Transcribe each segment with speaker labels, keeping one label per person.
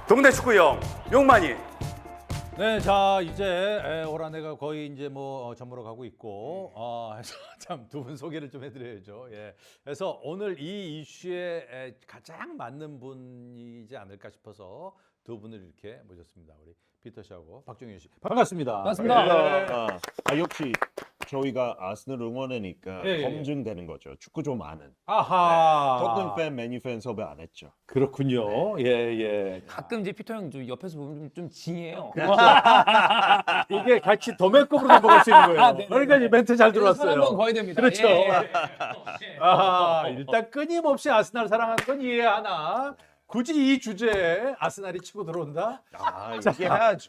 Speaker 1: 동네 축구형 용만이.
Speaker 2: 네, 자 이제 올 한해가 거의 이제 저물어 가고 있고, 해서 참 두 분 소개를 좀 해드려야죠. 예, 그래서 오늘 이 이슈에 가장 맞는 분이지 않을까 싶어서 두 분을 이렇게 모셨습니다. 우리 피터 씨하고 박종윤 씨, 반갑습니다.
Speaker 3: 반갑습니다. 역시 저희가 아스널 응원하니까
Speaker 2: 예, 예.
Speaker 3: 검증되는 거죠. 축구 좀 아는.
Speaker 2: 아하,
Speaker 3: 토트넘 팬, 맨유 팬 섭외 안 했죠.
Speaker 2: 그렇군요. 예, 예.
Speaker 4: 가끔 이제 피터 형 좀 옆에서 보면 좀 징해요.
Speaker 2: 이게 같이 도매급으로 넘어갈 수 있는 거예요.
Speaker 4: 네네.
Speaker 2: 그러니까 이 멘트 잘
Speaker 4: 한번
Speaker 2: 들어왔어요.
Speaker 4: 거의 됩니다.
Speaker 2: 그렇죠.
Speaker 4: 예.
Speaker 2: 아하, 일단 끊임없이 아스날 사랑하는 건 이해하나 굳이 이 주제에 아스날이 치고 들어온다?
Speaker 3: 얘기해야죠.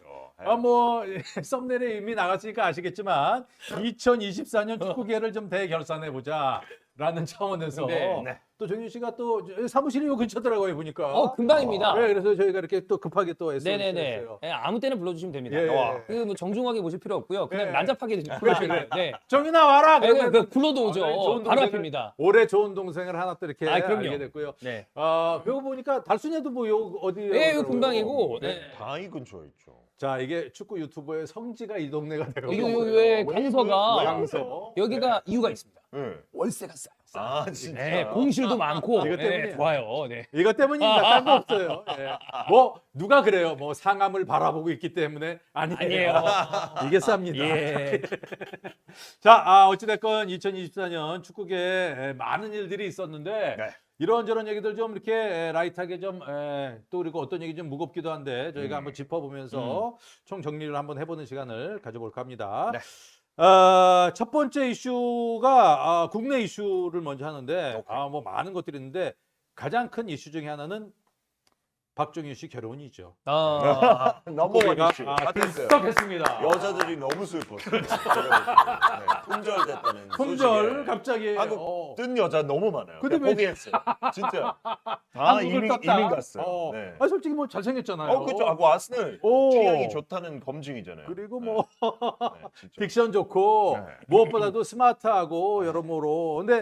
Speaker 2: 썸네일에 이미 나갔으니까 아시겠지만 2024년 축구계를 좀 대결산해 보자라는 차원에서
Speaker 4: 네.
Speaker 2: 또 정윤 씨가 또 사무실이 요 근처더라고요 보니까.
Speaker 4: 금방입니다.
Speaker 2: 네, 그래서 저희가 이렇게 또 급하게 또
Speaker 4: 네네네.
Speaker 2: SNS에요.
Speaker 4: 예, 아무 때나 불러주시면 됩니다.
Speaker 2: 예.
Speaker 4: 그 뭐 정중하게 모실 필요 없고요. 그냥
Speaker 2: 예.
Speaker 4: 난잡하게 불러주시면 돼요. 네.
Speaker 2: 정윤아 와라.
Speaker 4: 네,
Speaker 2: 그러면
Speaker 4: 그 굴러도 오죠.
Speaker 2: 좋은
Speaker 4: 바로
Speaker 2: 동생을-
Speaker 4: 앞입니다.
Speaker 2: 올해 좋은 동생을 하나 또 이렇게
Speaker 4: 그럼요.
Speaker 2: 알게 됐고요.
Speaker 4: 네.
Speaker 2: 그거 보니까 달순이도 뭐 어디에?
Speaker 4: 예, 요 금방이고.
Speaker 2: 네.
Speaker 4: 네.
Speaker 3: 다이 근처에 있죠.
Speaker 2: 자, 이게 축구 유튜버의 성지가 이 동네가 되고
Speaker 4: 요 강서가
Speaker 2: 강서.
Speaker 4: 여기가 이유가 있습니다.
Speaker 3: 네.
Speaker 4: 월세가 싸요.
Speaker 3: 진짜.
Speaker 4: 네, 공실도 많고.
Speaker 2: 이것
Speaker 4: 네,
Speaker 2: 때문이에요.
Speaker 4: 좋아요. 네.
Speaker 2: 이것 때문입니다. 딴 거 없어요. 예. 뭐 누가 그래요? 뭐 상암을 바라보고 있기 때문에 아니에요. 이게 쌉니다.
Speaker 4: 예.
Speaker 2: 자, 어찌됐건 2024년 축구계에 많은 일들이 있었는데
Speaker 3: 네.
Speaker 2: 이런저런 얘기들 좀 이렇게 라이트하게 좀 또 그리고 어떤 얘기 좀 무겁기도 한데 저희가 한번 짚어보면서 총 정리를 한번 해보는 시간을 가져볼까 합니다.
Speaker 3: 네.
Speaker 2: 첫 번째 이슈가 국내 이슈를 먼저 하는데 뭐 많은 것들이 있는데 가장 큰 이슈 중에 하나는 박종윤 씨 결혼이죠.
Speaker 3: 넘어가기 싫어.
Speaker 2: 들썩했습니다.
Speaker 3: 여자들이 너무 슬펐어요. 품절됐다는
Speaker 2: 품절
Speaker 3: 소식에.
Speaker 2: 갑자기
Speaker 3: 한국 뜬 여자 너무 많아요.
Speaker 2: 근데
Speaker 3: 근데
Speaker 2: 왜-
Speaker 3: 포기했어요. 진짜.
Speaker 2: 한국을
Speaker 3: 이민
Speaker 2: 떴다.
Speaker 3: 갔어요. 네.
Speaker 2: 솔직히 뭐 잘생겼잖아요.
Speaker 3: 그렇죠. 하고 아스널
Speaker 2: 오.
Speaker 3: 취향이 좋다는 검증이잖아요.
Speaker 2: 그리고
Speaker 3: 네.
Speaker 2: 뭐
Speaker 3: 네, 진짜.
Speaker 2: 딕션 좋고
Speaker 3: 네.
Speaker 2: 무엇보다도 스마트하고 여러모로. 근데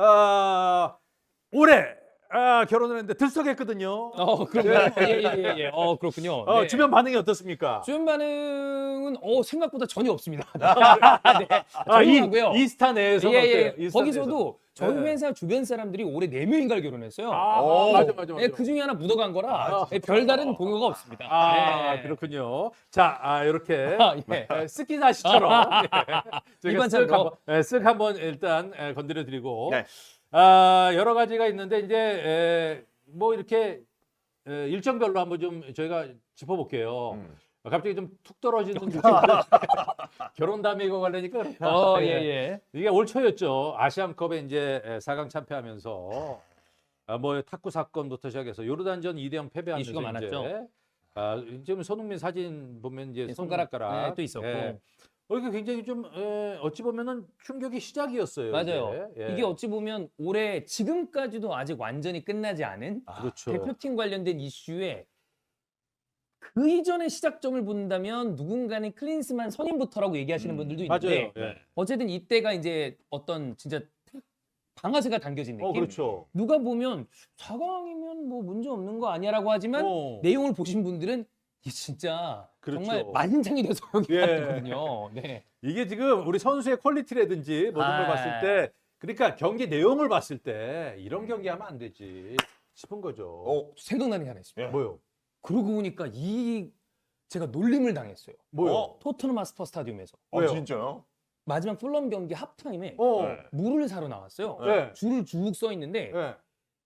Speaker 2: 올해 결혼을 했는데 들썩했거든요.
Speaker 4: 그런가요? 예. 그렇군요. 네.
Speaker 2: 주변 반응이 어떻습니까?
Speaker 4: 주변 반응은 생각보다 전혀 없습니다. 네. 조용하고요.
Speaker 2: 이스타 내에서 어때요? 이스타
Speaker 4: 거기서도 저희
Speaker 2: 네.
Speaker 4: 회사 주변 사람들이 올해 4명인가를 결혼했어요.
Speaker 2: 맞아.
Speaker 4: 네, 그 중에 하나 묻어간 거라 별다른 동요가 없습니다. 네.
Speaker 2: 그렇군요. 자, 이렇게
Speaker 4: 예.
Speaker 2: 스키나시처럼
Speaker 4: 일반차로.
Speaker 2: 쓱 한번 일단 건드려드리고
Speaker 3: 네.
Speaker 2: 여러 가지가 있는데 이제 뭐 이렇게 일정별로 한번 좀 저희가 짚어볼게요. 갑자기 좀 툭 떨어지는 느낌. 결혼 담에 이거 관련이니까 그렇다.
Speaker 4: 예.
Speaker 2: 이게 올 초였죠. 아시안컵에 이제 4강 참패하면서 뭐 탁구 사건부터 시작해서 요르단전 2대0 패배하면서
Speaker 4: 이슈가 많았죠.
Speaker 2: 지금 손흥민 사진 보면 이제
Speaker 4: 손가락
Speaker 2: 손가락
Speaker 4: 또 있었고.
Speaker 2: 이게 굉장히 좀 어찌 보면은 충격의 시작이었어요.
Speaker 4: 맞아요.
Speaker 2: 이게.
Speaker 4: 이게 어찌 보면 올해 지금까지도 아직 완전히 끝나지 않은
Speaker 2: 그렇죠.
Speaker 4: 대표팀 관련된 이슈에 그 이전의 시작점을 본다면 누군가는 클린스만 선임부터라고 얘기하시는 분들도 있는데
Speaker 2: 맞아요. 예.
Speaker 4: 어쨌든 이때가 이제 어떤 진짜 방아쇠가 당겨진 느낌.
Speaker 2: 그렇죠.
Speaker 4: 누가 보면 4강이면 뭐 문제 없는 거 아니야라고 하지만 내용을 보신 분들은 이게 진짜
Speaker 2: 그렇죠.
Speaker 4: 정말 만장이 돼서 여기
Speaker 2: 예.
Speaker 4: 왔거든요. 네.
Speaker 2: 이게 지금 우리 선수의 퀄리티라든지 모든 걸 봤을 때, 그러니까 경기 내용을 봤을 때 이런 경기 하면 안 되지 싶은 거죠.
Speaker 4: 생각나는 게 하나 있습니다.
Speaker 2: 뭐요?
Speaker 4: 그러고 보니까 제가 놀림을 당했어요.
Speaker 2: 뭐요?
Speaker 4: 토트넘 하스퍼 스타디움에서
Speaker 2: 왜요?
Speaker 3: 진짜요?
Speaker 4: 마지막 풀럼 경기 합타임에
Speaker 3: 네.
Speaker 4: 물을 사러 나왔어요.
Speaker 2: 네.
Speaker 4: 줄을 쭉 써 있는데
Speaker 2: 네.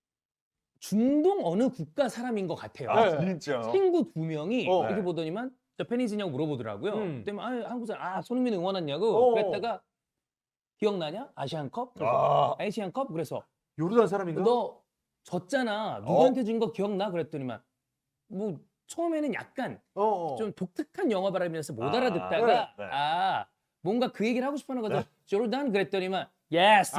Speaker 4: 중동 어느 국가 사람인 것 같아요.
Speaker 2: 네.
Speaker 3: 진짜.
Speaker 4: 친구 2명이
Speaker 2: 어.
Speaker 4: 이렇게 보더니만 저 팬이지냐고 물어보더라고요. 그때 한국 사람 손흥민 응원 왔냐고
Speaker 2: 어.
Speaker 4: 그랬다가 기억나냐? 아시안컵? 아시안컵? 그래서
Speaker 2: 요르단 사람인가?
Speaker 4: 너 졌잖아. 누구한테 준 거 기억나? 그랬더니만 뭐 처음에는 약간 좀 독특한 영어 발음이라서 못 알아듣다가
Speaker 3: 네.
Speaker 4: 뭔가 그 얘기를 하고 싶어하는 거죠. 조르단 그랬더니만 예스.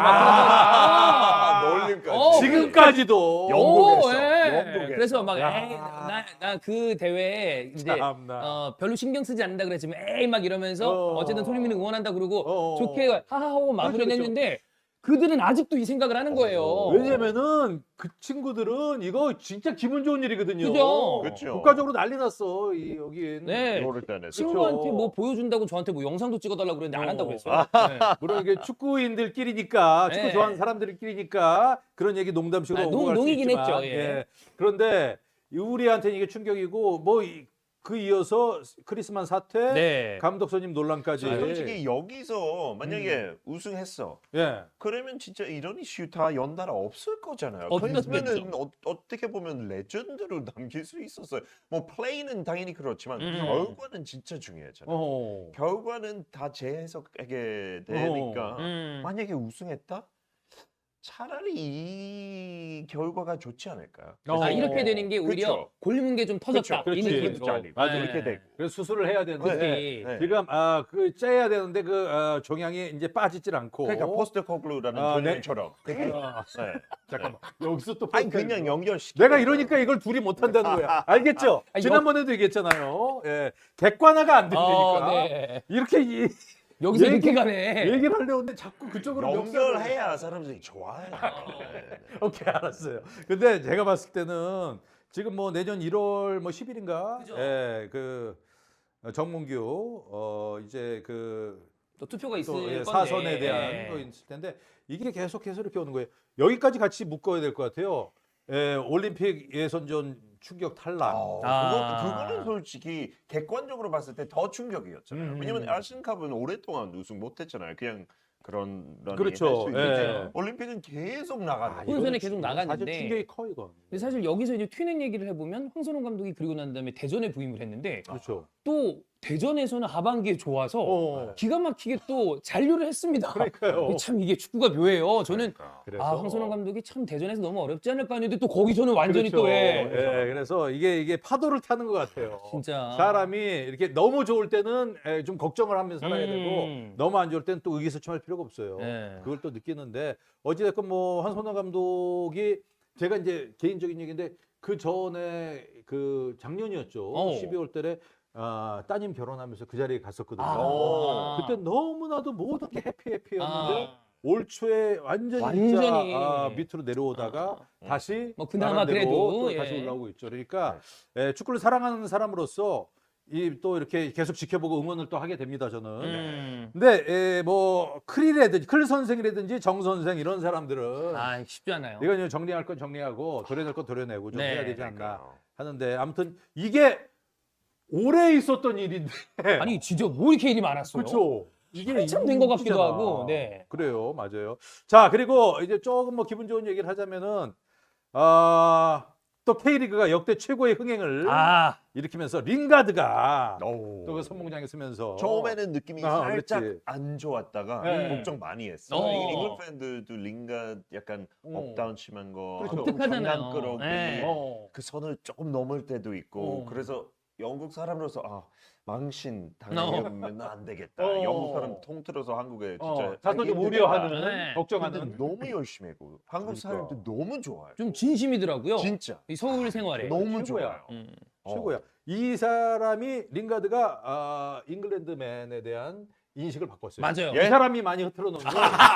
Speaker 3: 놀림까지.
Speaker 2: 지금까지도
Speaker 3: 영국에서.
Speaker 4: 그래서 막
Speaker 2: 야.
Speaker 4: 나 그 대회에 이제
Speaker 2: 참나.
Speaker 4: 별로 신경 쓰지 않는다 그랬지만 에이 막 이러면서 어쨌든 손흥민을 응원한다 그러고
Speaker 2: 어.
Speaker 4: 좋게 하하하고 마무리를
Speaker 2: 그렇죠.
Speaker 4: 했는데 그들은 아직도 이 생각을 하는 거예요.
Speaker 2: 왜냐면은 그 친구들은 이거 진짜 기분 좋은 일이거든요.
Speaker 4: 그죠?
Speaker 3: 그렇죠.
Speaker 2: 국가적으로 난리 났어. 여긴.
Speaker 4: 네.
Speaker 3: 이거를 따내서.
Speaker 4: 친구한테 뭐 보여준다고 저한테 뭐 영상도 찍어달라고 그랬는데 안 한다고 그랬어요. 네.
Speaker 2: 물론 이게 축구인들끼리니까 축구
Speaker 4: 네.
Speaker 2: 좋아하는 사람들끼리니까 그런 얘기 농담식으로
Speaker 4: 아,
Speaker 2: 오고 갈 수
Speaker 4: 농이긴
Speaker 2: 있지만
Speaker 4: 했죠, 예.
Speaker 2: 그런데 우리한테는 이게 충격이고 뭐 그 이어서 크리스마스 사태,
Speaker 4: 네.
Speaker 2: 감독 선임 논란까지.
Speaker 3: 솔직히 여기서 만약에 우승했어.
Speaker 2: 예.
Speaker 3: 그러면 진짜 이런 이슈 다 연달아 없을 거잖아요.
Speaker 4: 없었겠죠.
Speaker 3: 그러면은 어떻게 보면 레전드로 남길 수 있었어요. 뭐 플레이는 당연히 그렇지만 결과는 진짜 중요하잖아요. 결과는 다 재해석하게 되니까 만약에 우승했다? 차라리 이 결과가 좋지 않을까요?
Speaker 4: 아, 이렇게 되는 게 오히려
Speaker 3: 그렇죠.
Speaker 4: 골문 게 좀 터졌다.
Speaker 3: 그렇죠.
Speaker 4: 이
Speaker 2: 그렇지.
Speaker 4: 느낌으로.
Speaker 3: 잘리고.
Speaker 2: 맞아.
Speaker 4: 네.
Speaker 3: 이렇게 되고.
Speaker 2: 그래서 수술을 해야 되는데
Speaker 4: 그렇지.
Speaker 3: 네.
Speaker 2: 지금 그 째야 되는데 그 종양이 이제 빠지질 않고.
Speaker 3: 그러니까 포스트코글루라는
Speaker 2: 아, 네.
Speaker 3: 전형처럼.
Speaker 2: 아,
Speaker 3: 네.
Speaker 2: 잠깐만. 여기서 또
Speaker 3: 아니
Speaker 2: 포스트-
Speaker 3: 그냥 연결시켜.
Speaker 2: 내가 이러니까 이걸 둘이 못 한다는 거야. 알겠죠?
Speaker 4: 아,
Speaker 2: 지난번에도 얘기했잖아요. 예. 객관화가 안 된다니까.
Speaker 4: 네.
Speaker 2: 이렇게
Speaker 4: 여기서
Speaker 2: 얘기-
Speaker 4: 이렇게 가네.
Speaker 2: 얘기를 하려고 하는데 자꾸 그쪽으로 멱살을-
Speaker 3: 연결해야 사람들이 좋아해요. 네.
Speaker 2: 오케이, 알았어요. 근데 제가 봤을 때는 지금 뭐 내년 1월 뭐 10일인가?
Speaker 4: 그죠.
Speaker 2: 예. 그 정문규 이제 그
Speaker 4: 또 투표가 있을
Speaker 2: 또,
Speaker 4: 건데.
Speaker 2: 예, 사선에 대한
Speaker 4: 네.
Speaker 2: 거 있을 텐데 이게 계속해서 이렇게 오는 거예요. 여기까지 같이 묶어야 될 것 같아요. 올림픽 예선전 충격 탈락.
Speaker 3: 그거는 솔직히 객관적으로 봤을 때 더 충격이었잖아요. 왜냐면 아시안컵은 오랫동안 우승 못했잖아요. 그냥 그런 런이
Speaker 2: 그렇죠.
Speaker 3: 할수 있는데
Speaker 2: 예.
Speaker 3: 올림픽은 계속 나가는
Speaker 4: 이거는
Speaker 3: 거예요.
Speaker 4: 계속 나갔는데.
Speaker 2: 사실 충격이 커 이건.
Speaker 4: 근데 사실 여기서 이제 튀는 얘기를 해보면 황선홍 감독이 그리고 난 다음에 대전에 부임을 했는데
Speaker 2: 그렇죠.
Speaker 4: 또 대전에서는 하반기에 좋아서
Speaker 2: 어.
Speaker 4: 기가 막히게 또 잔류를 했습니다.
Speaker 2: 그러니까요.
Speaker 4: 참 이게 축구가 묘해요. 저는
Speaker 3: 그러니까.
Speaker 2: 그래서
Speaker 4: 아 황선홍 감독이 참 대전에서 너무 어렵지 않을까 했는데 또 거기서는 완전히
Speaker 2: 그렇죠.
Speaker 4: 또 해.
Speaker 2: 예, 그래서 이게 파도를 타는 것 같아요.
Speaker 4: 진짜.
Speaker 2: 사람이 이렇게 너무 좋을 때는 좀 걱정을 하면서 살아야 되고 너무 안 좋을 때는 또 의기소침할 필요가 없어요.
Speaker 4: 네.
Speaker 2: 그걸 또 느끼는데 어찌됐건 뭐 한선호 감독이 제가 이제 개인적인 얘기인데 그 전에 그 작년이었죠. 12월 달에 따님 결혼하면서 그 자리에 갔었거든요. 그때 너무나도 모든 게 해피해피였는데 올 초에 완전히 진짜 밑으로 내려오다가 다시
Speaker 4: 뭐 그나마
Speaker 2: 나름대로
Speaker 4: 그래도,
Speaker 2: 또
Speaker 4: 예.
Speaker 2: 다시 올라오고 있죠. 그러니까 축구를 사랑하는 사람으로서 또 이렇게 계속 지켜보고 응원을 또 하게 됩니다. 저는. 근데 뭐 클 선생이라든지 정 선생 이런 사람들은
Speaker 4: 아 쉽지 않아요.
Speaker 2: 이건 정리할 건 정리하고 도려낼 건 도려내고 좀
Speaker 4: 네.
Speaker 2: 해야 되지 않나
Speaker 3: 그러니까요.
Speaker 2: 하는데 아무튼 이게 오래 있었던 일인데
Speaker 4: 아니 진짜 뭐 이렇게 일이 많았어요.
Speaker 2: 그렇죠. 이게
Speaker 4: 한참 된 것 같기도
Speaker 2: 웃기잖아.
Speaker 4: 하고. 네.
Speaker 2: 그래요, 맞아요. 자, 그리고 이제 조금 뭐 기분 좋은 얘기를 하자면은 또 K리그가 역대 최고의 흥행을 일으키면서 링가드가 또 그 선봉장에 서면서
Speaker 3: 처음에는 느낌이 살짝
Speaker 2: 그렇지.
Speaker 3: 안 좋았다가
Speaker 2: 네.
Speaker 3: 걱정 많이 했어요. 잉글랜드 팬들도 링가드 약간 업다운 심한 거,
Speaker 2: 그렇죠.
Speaker 4: 독특하잖아요.
Speaker 3: 장난꾸러기
Speaker 4: 네.
Speaker 3: 그 선을 조금 넘을 때도 있고 그래서 영국 사람으로서 망신 당하면 안 되겠다. 영국 사람 통틀어서 한국에 진짜
Speaker 2: 자꾸 좀
Speaker 3: 하기
Speaker 2: 우려하는
Speaker 3: 힘들겠다.
Speaker 4: 네.
Speaker 2: 걱정하는
Speaker 3: 근데 너무 열심히 했고 한국
Speaker 2: 그러니까.
Speaker 3: 사람들 너무 좋아요.
Speaker 4: 좀 진심이더라고요.
Speaker 3: 진짜
Speaker 4: 이 서울 생활에.
Speaker 3: 너무
Speaker 2: 최고야.
Speaker 3: 좋아요.
Speaker 2: 최고야. 이 사람이 링가드가 잉글랜드맨에 대한 인식을 바꿨어요.
Speaker 4: 맞아요.
Speaker 2: 이 사람이 많이 흐트러 놓은 거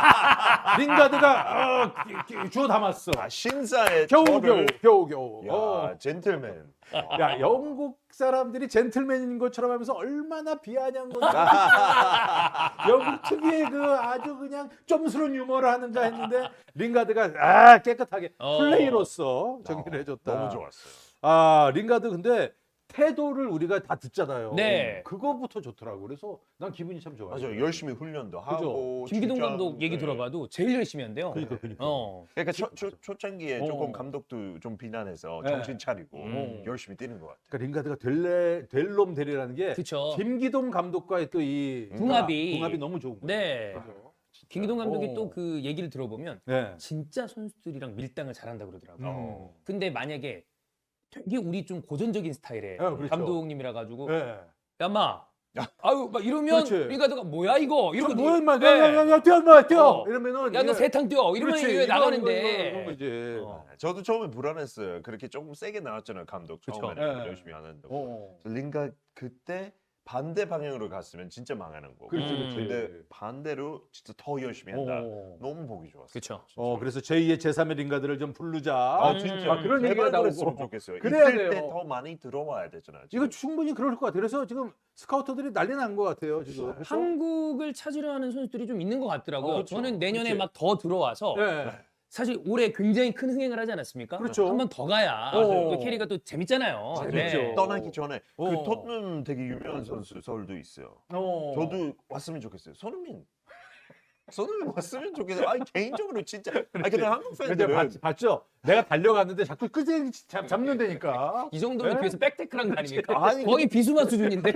Speaker 2: 링가드가 주워 담았어.
Speaker 3: 신사의
Speaker 2: 겨우.
Speaker 3: 야, 젠틀맨.
Speaker 2: 야, 영국 사람들이 젠틀맨인 것처럼 하면서 얼마나 비아냥 건지. 영국 특유의 그 아주 그냥 점스러운 유머를 하는가 했는데 링가드가 깨끗하게 플레이로서 정리를 해줬다.
Speaker 3: 너무 좋았어요.
Speaker 2: 링가드 근데 태도를 우리가 다 듣잖아요.
Speaker 4: 네.
Speaker 2: 그거부터 좋더라고. 그래서 난 기분이 참 좋아요.
Speaker 3: 맞아요. 열심히 훈련도 하고.
Speaker 4: 김기동
Speaker 3: 출장,
Speaker 4: 감독 얘기
Speaker 3: 네.
Speaker 4: 들어봐도 제일 열심히 한대요.
Speaker 2: 그러니까.
Speaker 3: 그러니까 초창기에
Speaker 2: 어.
Speaker 3: 조금 감독도 좀 비난해서
Speaker 2: 네.
Speaker 3: 정신 차리고 열심히 뛰는 것 같아요.
Speaker 2: 그러니까 링가드가 될 놈 되리라는 게
Speaker 4: 그쵸.
Speaker 2: 김기동 감독과의 또 이
Speaker 4: 궁합이
Speaker 2: 너무 좋은 거예요.
Speaker 4: 네.
Speaker 2: 그죠?
Speaker 4: 김기동 감독이
Speaker 2: 어.
Speaker 4: 또 그 얘기를 들어보면
Speaker 2: 네.
Speaker 4: 진짜 선수들이랑 밀당을 잘한다 그러더라고요.
Speaker 2: 어.
Speaker 4: 근데 만약에 되게 우리 좀 고전적인 스타일의
Speaker 2: 그렇죠.
Speaker 4: 감독님이라 가지고
Speaker 2: 네.
Speaker 4: 야마 아유 막 이러면
Speaker 2: 그렇지.
Speaker 4: 링가드가 뭐야 이거 이러고
Speaker 2: 뭐야 임마
Speaker 4: 네.
Speaker 2: 야 뛰어 임마 뛰어
Speaker 4: 어.
Speaker 2: 이러면은
Speaker 4: 야 너 세탕 뛰어 이러면
Speaker 2: 그렇지.
Speaker 4: 이게
Speaker 2: 이거
Speaker 4: 나가는데
Speaker 2: 거지.
Speaker 3: 저도 처음에 불안했어요. 그렇게 조금 세게 나왔잖아요. 감독
Speaker 4: 그쵸.
Speaker 3: 처음에는
Speaker 2: 네.
Speaker 3: 열심히 안 한다고.
Speaker 2: 어.
Speaker 3: 링가 그때 반대 방향으로 갔으면 진짜 망하는 거고.
Speaker 2: 그렇지, 그렇지.
Speaker 3: 근데 반대로 진짜 더 열심히 한다.
Speaker 2: 어.
Speaker 3: 너무 보기 좋았어요.
Speaker 4: 그쵸.
Speaker 2: 그래서 제2의 제3의 링가들을 좀 부르자.
Speaker 3: 아 진짜
Speaker 2: 그런 얘기가 나오고
Speaker 3: 그랬으면 좋겠어요.
Speaker 2: 그래야
Speaker 3: 있을
Speaker 2: 돼요.
Speaker 3: 때 더 많이 들어와야 되잖아요.
Speaker 2: 이거 충분히 그럴 것 같아요. 그래서 지금 스카우터들이 난리 난 것 같아요. 지금. 그래서
Speaker 4: 한국을 찾으려 하는 선수들이 좀 있는 것 같더라고요.
Speaker 3: 그렇죠.
Speaker 4: 저는 내년에
Speaker 2: 그렇지.
Speaker 4: 막 더 들어와서
Speaker 2: 네.
Speaker 4: 사실 올해 굉장히 큰 흥행을 하지 않았습니까?
Speaker 2: 그렇죠.
Speaker 4: 한 번 더 가야
Speaker 2: 맞아요.
Speaker 4: 또 캐리가 또 재밌잖아요.
Speaker 2: 재밌죠.
Speaker 3: 떠나기 전에 그
Speaker 2: 어.
Speaker 3: 토트넘 되게 유명한 선수 서울도 있어요. 저도 왔으면 좋겠어요. 손흥민 왔으면 좋겠어요. 아니 개인적으로 진짜. 아니 근데 한국
Speaker 2: 근데
Speaker 3: 팬들은
Speaker 2: 봤죠? 내가 달려갔는데 자꾸 끄지 잡는 데니까.
Speaker 4: 이 정도면
Speaker 2: 네?
Speaker 4: 뒤에서 백태클한 거 아닙니까?
Speaker 3: 아니,
Speaker 4: 거의 비수마 수준인데.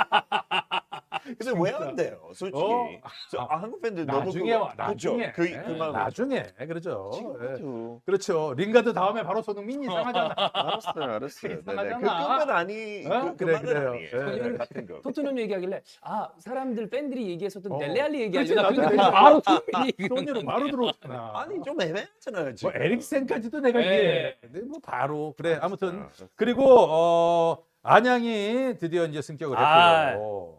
Speaker 3: 근데 왜 안 돼요? 솔직히 한국 팬들 너무
Speaker 2: 나중에 와, 나중에.
Speaker 3: 그 마음
Speaker 2: 나중에 그렇죠. 예.
Speaker 3: 지금도
Speaker 2: 그렇죠. 링가드 다음에 바로 손흥민이 이상하잖아.
Speaker 3: 알았어요. 네네.
Speaker 2: 이상하잖아.
Speaker 3: 그 끝만 아니
Speaker 2: 어?
Speaker 3: 그
Speaker 2: 그래,
Speaker 3: 말은
Speaker 2: 그래요.
Speaker 3: 아니에요.
Speaker 2: 예.
Speaker 3: 같은 거.
Speaker 4: 토트넘 얘기하길래 사람들 팬들이 얘기했었던
Speaker 2: 어.
Speaker 4: 델레알리
Speaker 2: 그렇지,
Speaker 4: 얘기하려다
Speaker 2: 나도
Speaker 4: 그러니까 바로 손흥민이
Speaker 2: 손으로 바로 들어오잖아.
Speaker 3: 아니 좀 애매하잖아요
Speaker 2: 뭐
Speaker 3: 지금.
Speaker 2: 에릭센까지도 내가
Speaker 4: 네.
Speaker 2: 이해. 근데 뭐 바로 그래. 아무튼 그리고 안양이 드디어 이제 승격을 했고요.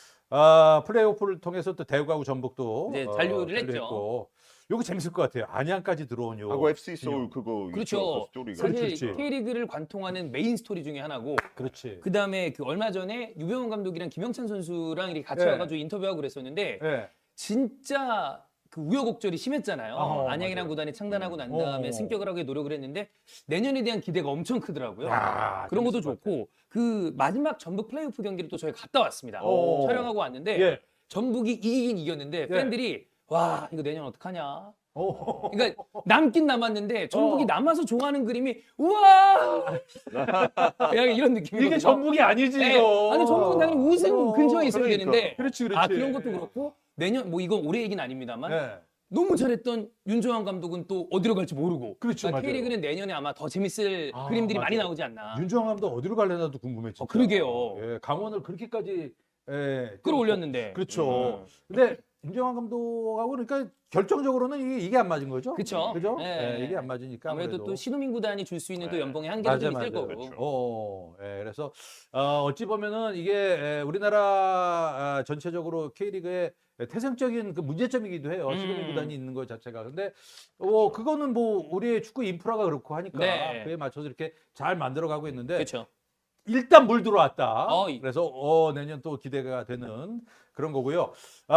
Speaker 2: 플레이오프를 통해서 또 대구하고 전북도
Speaker 4: 이제 잔류를 했죠.
Speaker 2: 했고. 요거 재밌을 것 같아요. 안양까지 들어온 요.
Speaker 3: 하고 FC 서울 그거
Speaker 4: 그렇죠.
Speaker 3: 있죠, 그 스토리가.
Speaker 4: 사실
Speaker 2: 그렇지.
Speaker 4: K리그를 관통하는 메인 스토리 중에 하나고
Speaker 2: 그렇지.
Speaker 4: 그 다음에 그 얼마 전에 유병훈 감독이랑 김영찬 선수랑 이렇게 같이
Speaker 2: 네.
Speaker 4: 와가지고 인터뷰하고 그랬었는데
Speaker 2: 예.
Speaker 4: 진짜 그 우여곡절이 심했잖아요. 안양이랑
Speaker 2: 맞아요.
Speaker 4: 구단이 창단하고 난 다음에
Speaker 2: 어.
Speaker 4: 승격을 하기 노력을 했는데 내년에 대한 기대가 엄청 크더라고요.
Speaker 2: 야,
Speaker 4: 그런 것도
Speaker 2: 재밌을 것
Speaker 4: 좋고 그 마지막 전북 플레이오프 경기를 또 저희가 갔다 왔습니다.
Speaker 2: 오.
Speaker 4: 촬영하고 왔는데
Speaker 2: 예.
Speaker 4: 전북이 이기긴 이겼는데 팬들이 와 이거 내년 어떡하냐.
Speaker 2: 오.
Speaker 4: 그러니까 남긴 남았는데 전북이
Speaker 2: 어.
Speaker 4: 남아서 좋아하는 그림이 우와 약간 이런 느낌이거든요.
Speaker 2: 이게 전북이 아니지
Speaker 4: 네.
Speaker 2: 이거.
Speaker 4: 아니 전북은 당연히 우승 근처에 있어야
Speaker 3: 그러니까.
Speaker 4: 되는데
Speaker 2: 그렇지, 그렇지.
Speaker 4: 그런 것도 그렇고 내년 뭐 이건 올해 얘기는 아닙니다만
Speaker 2: 예.
Speaker 4: 너무 잘했던 윤정환 감독은 또 어디로 갈지 모르고
Speaker 2: 그렇죠, 맞아요.
Speaker 4: K리그는 내년에 아마 더 재밌을 그림들이 많이
Speaker 2: 맞아요.
Speaker 4: 나오지 않나.
Speaker 2: 윤정환 감독 어디로 갈래나도 궁금해 진짜.
Speaker 4: 그러게요.
Speaker 2: 예, 강원을 그렇게까지
Speaker 4: 끌어올렸는데.
Speaker 2: 그렇죠. 근데 윤정환 감독하고 그러니까 결정적으로는 이게 안 맞은 거죠.
Speaker 4: 그쵸.
Speaker 2: 그죠?
Speaker 4: 예.
Speaker 2: 예, 이게 안 맞으니까
Speaker 4: 아무래도 또 신우민 구단이 줄 수 있는 또 연봉의 한계가
Speaker 2: 맞아,
Speaker 4: 좀 있을
Speaker 2: 맞아.
Speaker 4: 거고.
Speaker 3: 그렇죠.
Speaker 2: 예, 그래서 어찌 보면은 이게 우리나라 전체적으로 K리그의 태생적인 그 문제점이기도 해요. 신우민 구단이 있는 것 자체가. 근데 그거는 뭐 우리의 축구 인프라가 그렇고 하니까
Speaker 4: 네.
Speaker 2: 그에 맞춰서 이렇게 잘 만들어가고 있는데
Speaker 4: 그렇죠.
Speaker 2: 일단 물 들어왔다.
Speaker 4: 어,
Speaker 2: 그래서 내년 또 기대가 되는 그런 거고요.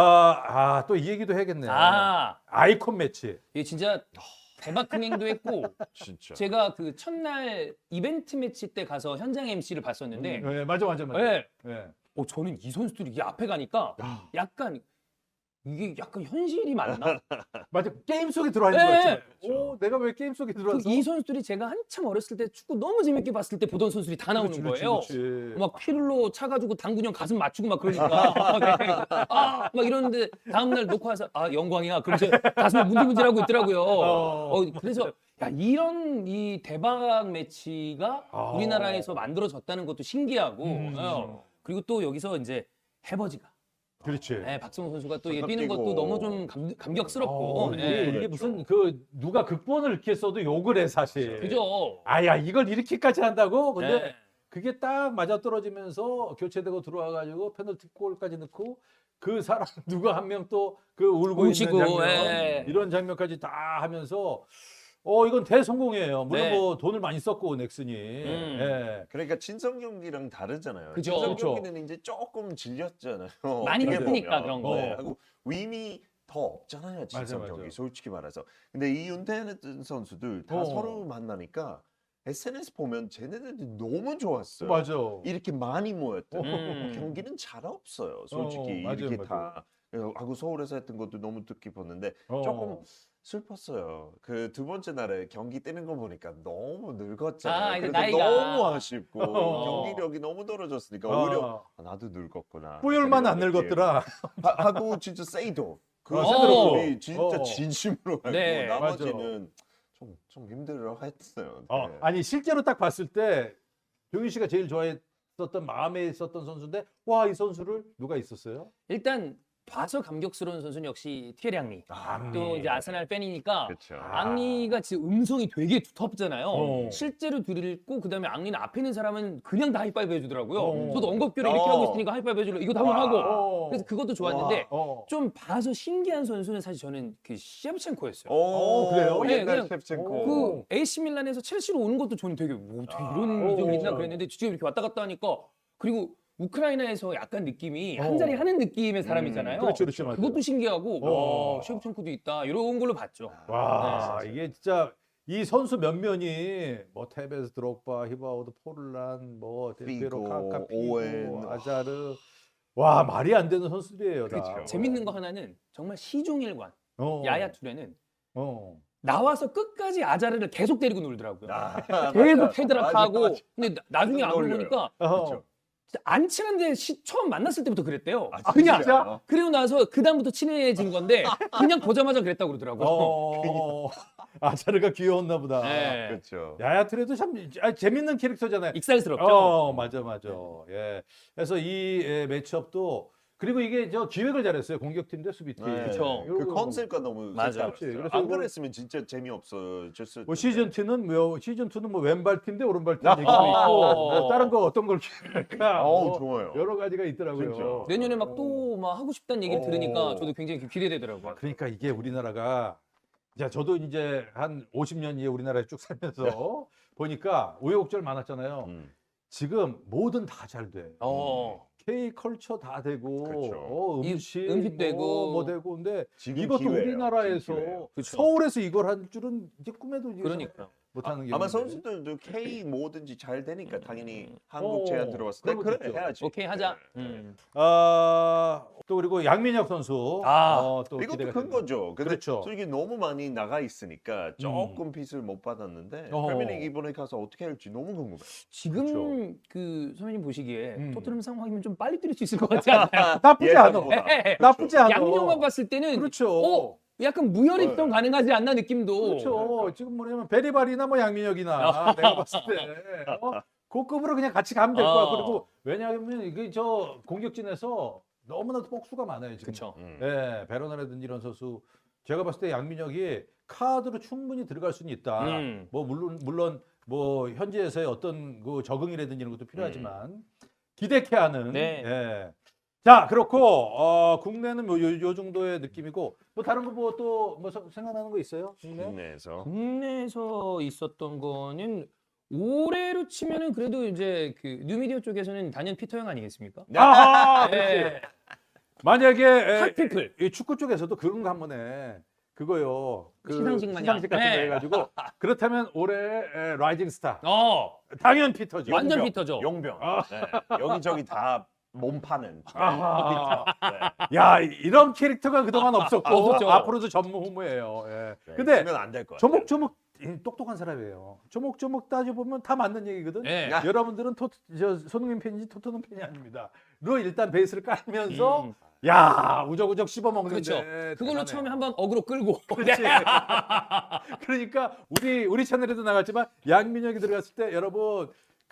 Speaker 2: 또 이 얘기도 해야겠네요. 아이콘 매치.
Speaker 4: 이게 진짜 대박 흥행도 했고
Speaker 3: 진짜.
Speaker 4: 제가 그 첫날 이벤트 매치 때 가서 현장 MC를 봤었는데
Speaker 2: 네, 맞아.
Speaker 4: 네.
Speaker 2: 네.
Speaker 4: 저는 이 선수들이 이 앞에 가니까 약간 이게 약간 현실이 맞나?
Speaker 2: 맞아. 게임 속에 들어와 있는
Speaker 4: 네.
Speaker 2: 거 같죠. 내가 왜 게임 속에 들어와서?
Speaker 4: 이 선수들이 제가 한참 어렸을 때 축구 너무 재밌게 봤을 때 보던 선수들이 다 나오는 거예요.
Speaker 2: 그렇지.
Speaker 4: 막 피를로 차가지고 당근형 가슴 맞추고 막 그러니까 네. 막 이러는데 다음날 놓고 와서 영광이야. 그러면서 가슴을 문질문질하고 있더라고요. 그래서 야 이런 이 대박 매치가 우리나라에서 만들어졌다는 것도 신기하고 그리고 또 여기서 이제 해버지가
Speaker 2: 그렇지.
Speaker 4: 네, 박성호 선수가 또 이게
Speaker 3: 잠깐
Speaker 4: 뛰는 것도
Speaker 3: 뛰고.
Speaker 4: 너무 좀 감격스럽고 네.
Speaker 2: 이게 무슨 누가 극본을 이렇게 써도 욕을 해 사실.
Speaker 4: 그죠?
Speaker 2: 아야 이걸 이렇게까지 한다고? 근데
Speaker 4: 네.
Speaker 2: 그게 딱 맞아 떨어지면서 교체되고 들어와가지고 페널티골까지 넣고 그 사람 누가 한 명 또 그 울고
Speaker 4: 뭉치고,
Speaker 2: 있는 장면
Speaker 4: 예.
Speaker 2: 이런 장면까지 다 하면서 이건 대성공이에요. 물론
Speaker 4: 네.
Speaker 2: 뭐 돈을 많이 썼고 넥슨이. 예.
Speaker 3: 그러니까 친선 경기랑 다르잖아요.
Speaker 4: 그죠.
Speaker 3: 친선
Speaker 2: 그렇죠.
Speaker 3: 경기는 이제 조금 질렸잖아요.
Speaker 4: 많이
Speaker 3: 어떻게
Speaker 4: 했으니까
Speaker 3: 보면.
Speaker 4: 그런 거.
Speaker 3: 네, 하고 의미 더 없잖아요. 친선
Speaker 2: 맞아.
Speaker 3: 경기 솔직히 말해서. 근데 이 은퇴했던 선수들 다 서로 만나니까 SNS 보면 쟤네들이 너무 좋았어요.
Speaker 2: 맞아.
Speaker 3: 이렇게 많이 모였던
Speaker 4: 음.
Speaker 3: 경기는 잘 없어요. 솔직히
Speaker 2: 맞아요,
Speaker 3: 이렇게
Speaker 2: 맞아요.
Speaker 3: 다 하고 서울에서 했던 것도 너무 뜻깊었는데 조금 슬펐어요. 그 두 번째 날에 경기 뛰는 거 보니까 너무 늙었잖아요.
Speaker 4: 이제
Speaker 3: 그래서
Speaker 4: 나이가.
Speaker 3: 너무 아쉽고 경기력이 너무 떨어졌으니까 오히려 나도 늙었구나.
Speaker 2: 뿌열만 안
Speaker 3: 이런 느낌.
Speaker 2: 늙었더라.
Speaker 3: 하고 진짜 세이도 그
Speaker 2: 어.
Speaker 3: 선수들이 진짜
Speaker 2: 어.
Speaker 3: 진심으로 하고
Speaker 4: 네.
Speaker 3: 나머지는 좀 힘들어했어요. 네.
Speaker 2: 아니 실제로 딱 봤을 때 병윤 씨가 제일 좋아했었던 마음에 있었던 선수인데 와 이 선수를 누가 있었어요?
Speaker 4: 일단 봐서 감격스러운 선수는 역시 티에리 앙리.
Speaker 2: 앙리.
Speaker 4: 또 이제 아스날 팬이니까
Speaker 3: 그렇죠.
Speaker 4: 앙리가 지금 음성이 되게 두텁잖아요.
Speaker 2: 어.
Speaker 4: 실제로 들고 그다음에 앙리는 앞에 있는 사람은 그냥 다 하이파이브 해주더라고요.
Speaker 2: 어.
Speaker 4: 저도 언급교를 이렇게 하고 있으니까 하이파이브 해주려 이것도 한번 하고. 그래서 그것도 좋았는데
Speaker 2: 어.
Speaker 4: 좀 봐서 신기한 선수는 사실 저는 그 셰프첸코였어요.
Speaker 2: 그래요?
Speaker 4: 네,
Speaker 3: 옛날
Speaker 4: 그냥
Speaker 3: 셰프첸코.
Speaker 4: 그 AC 밀란에서 첼시로 오는 것도 저는 되게 뭐 어떻게 이런 이적이 있나 그랬는데 지금 이렇게 왔다 갔다 하니까 그리고 우크라이나에서 약간 느낌이 한 자리 하는 느낌의 사람이잖아요.
Speaker 2: 그렇죠, 그렇죠, 맞아요.
Speaker 4: 그것도 신기하고 셰프첸코도 있다 이런 걸로 봤죠.
Speaker 2: 와, 이게 진짜 이 선수 면면이 뭐 테베스, 드록바, 히바우드, 포르란, 뭐 델피에로,
Speaker 3: 피고,
Speaker 2: 카카, 피고,
Speaker 3: 오웬.
Speaker 2: 아자르, 와 말이 안 되는 선수들이에요. 다.
Speaker 3: 그렇죠.
Speaker 4: 재밌는 거 하나는 정말 시종일관
Speaker 2: 어.
Speaker 4: 야야 투레는
Speaker 2: 어.
Speaker 4: 나와서 끝까지 아자르를 계속 때리고 놀더라고요.
Speaker 3: 아,
Speaker 4: 계속
Speaker 3: 맞아.
Speaker 4: 패드락하고
Speaker 3: 맞아.
Speaker 4: 근데 나중에 알고
Speaker 3: 놀려요.
Speaker 4: 보니까
Speaker 2: 어.
Speaker 4: 진짜 안 친한데 처음 만났을 때부터 그랬대요.
Speaker 3: 아,
Speaker 4: 그냥
Speaker 3: 진짜?
Speaker 4: 그리고 나서 그 다음부터 친해진 건데 그냥 보자마자 그랬다고 그러더라고요.
Speaker 2: 어. 아자르가 귀여웠나 보다.
Speaker 4: 네.
Speaker 3: 그렇죠.
Speaker 2: 야야 트레도 참 재밌는 캐릭터잖아요.
Speaker 4: 익살스럽죠.
Speaker 2: 맞아. 예. 그래서 이 매치업도 그리고 이게 저 기획을 잘했어요. 공격팀 대 수비팀.
Speaker 3: 네.
Speaker 4: 그쵸.
Speaker 3: 그 컨셉과 너무
Speaker 4: 맞아.
Speaker 3: 색다르죠.
Speaker 2: 그래서
Speaker 3: 안
Speaker 2: 이거-
Speaker 3: 그랬으면 진짜 재미없어졌을
Speaker 2: 뭐
Speaker 3: 텐데.
Speaker 2: 시즌 2는 뭐 왼발팀 대 오른발팀
Speaker 3: 아,
Speaker 2: 얘기도 있고 뭐 다른 거 어떤 걸 기획할까 뭐
Speaker 3: 좋아요.
Speaker 2: 여러 가지가 있더라고요.
Speaker 3: 진짜.
Speaker 4: 내년에 막 또 막 하고 싶다는 얘기를
Speaker 3: 어.
Speaker 4: 들으니까 저도 굉장히 기대되더라고요.
Speaker 2: 그러니까 이게 우리나라가 저도 이제 한 50년 이에 우리나라에 쭉 살면서 보니까 우여곡절 많았잖아요.
Speaker 3: 음.
Speaker 2: 지금 뭐든 다 잘 돼. K 컬처 다 되고
Speaker 3: 그렇죠.
Speaker 2: 음식
Speaker 4: 되고.
Speaker 2: 뭐 되고 근데
Speaker 3: 지금
Speaker 2: 이것도
Speaker 3: 기회예요.
Speaker 2: 우리나라에서
Speaker 3: 지금 기회예요.
Speaker 4: 그쵸.
Speaker 2: 서울에서 이걸 할 줄은 이제 꿈에도 이제
Speaker 4: 그러니까.
Speaker 2: 못하는 게
Speaker 3: 아마
Speaker 2: 있는데.
Speaker 3: 선수들도 K 뭐든지 잘 되니까 당연히 한국 제안 들어왔을 때
Speaker 2: 그런
Speaker 3: 그래
Speaker 2: 것도 있죠.
Speaker 3: 해야지.
Speaker 4: 오케이 하자.
Speaker 3: 네.
Speaker 2: 또 그리고 양민혁 선수 또
Speaker 3: 이것도
Speaker 2: 기대가
Speaker 3: 큰
Speaker 2: 됩니다.
Speaker 3: 거죠. 근데
Speaker 2: 그렇죠.
Speaker 3: 솔직히 너무 많이 나가 있으니까 조금 빚을 못 받았는데
Speaker 2: 어허.
Speaker 3: 프리미어리그 이번에 가서 어떻게 할지 너무 궁금해.
Speaker 4: 지금
Speaker 2: 그렇죠.
Speaker 4: 그 선배님 보시기에
Speaker 2: 음.
Speaker 4: 토트넘 상황이면 좀 빨리 뛰릴 수 있을 것 같지 않아요?
Speaker 2: 나쁘지 않아.
Speaker 3: 예상보다.
Speaker 2: 나쁘지 않아.
Speaker 4: 양민혁만 봤을 때는
Speaker 2: 그렇죠.
Speaker 4: 약간 무혈입성 가능하지 않나 느낌도.
Speaker 2: 그렇죠. 지금 뭐냐면 베리발이나 뭐 양민혁이나 내가 봤을 때 그 급으로 그냥 같이 가면 될 거야. 그리고 왜냐하면 이게 저 공격진에서 너무나도 복수가 많아요 지금.
Speaker 4: 그렇죠.
Speaker 2: 예, 베로나라든지 이런 선수 제가 봤을 때 양민혁이 카드로 충분히 들어갈 수는 있다. 뭐 물론 뭐 현지에서의 어떤 그 적응이라든지 이런 것도 필요하지만 기대케 하는.
Speaker 4: 네.
Speaker 2: 예. 자 그렇고 국내는 뭐 요 정도의 느낌이고 뭐 다른 거 뭐 또 뭐 생각나는 거 있어요? 국내?
Speaker 3: 국내에서
Speaker 4: 국내에서 있었던 거는 올해로 치면은 그래도 이제 그 뉴미디어 쪽에서는 단연 피터형 아니겠습니까?
Speaker 2: 아,
Speaker 4: 네.
Speaker 2: 그렇지. 만약에
Speaker 4: 핫피플.
Speaker 2: 이 축구 쪽에서도 그런 거 한번 해. 그거요. 그
Speaker 4: 시상식 마냥.
Speaker 2: 시상식 같은 거
Speaker 4: 네.
Speaker 2: 해가지고 그렇다면 올해 라이징 스타
Speaker 4: 어,
Speaker 2: 당연 피터죠.
Speaker 4: 완전
Speaker 3: 용병,
Speaker 4: 피터죠.
Speaker 3: 용병. 네. 여기저기 다 몸파는.
Speaker 2: 아하.
Speaker 3: 네.
Speaker 2: 야 이런 캐릭터가 그동안 없었고
Speaker 4: 없었죠.
Speaker 2: 앞으로도 전무후무예요. 예.
Speaker 3: 네,
Speaker 2: 근데
Speaker 3: 있으면 안 될 거야.
Speaker 2: 조목조목 똑똑한 사람이에요. 조목조목 따져보면 다 맞는 얘기거든.
Speaker 4: 네.
Speaker 2: 여러분들은 손흥민 팬인지 토트넘 팬이 아닙니다. 로 일단 베이스를 깔면서
Speaker 4: 음.
Speaker 2: 야 우적우적 씹어먹는데
Speaker 4: 그렇죠. 그걸로
Speaker 2: 대단해.
Speaker 4: 처음에 한번 어그로 끌고.
Speaker 2: 그렇지. 그러니까 우리 채널에도 나갔지만 양민혁이 들어갔을 때 여러분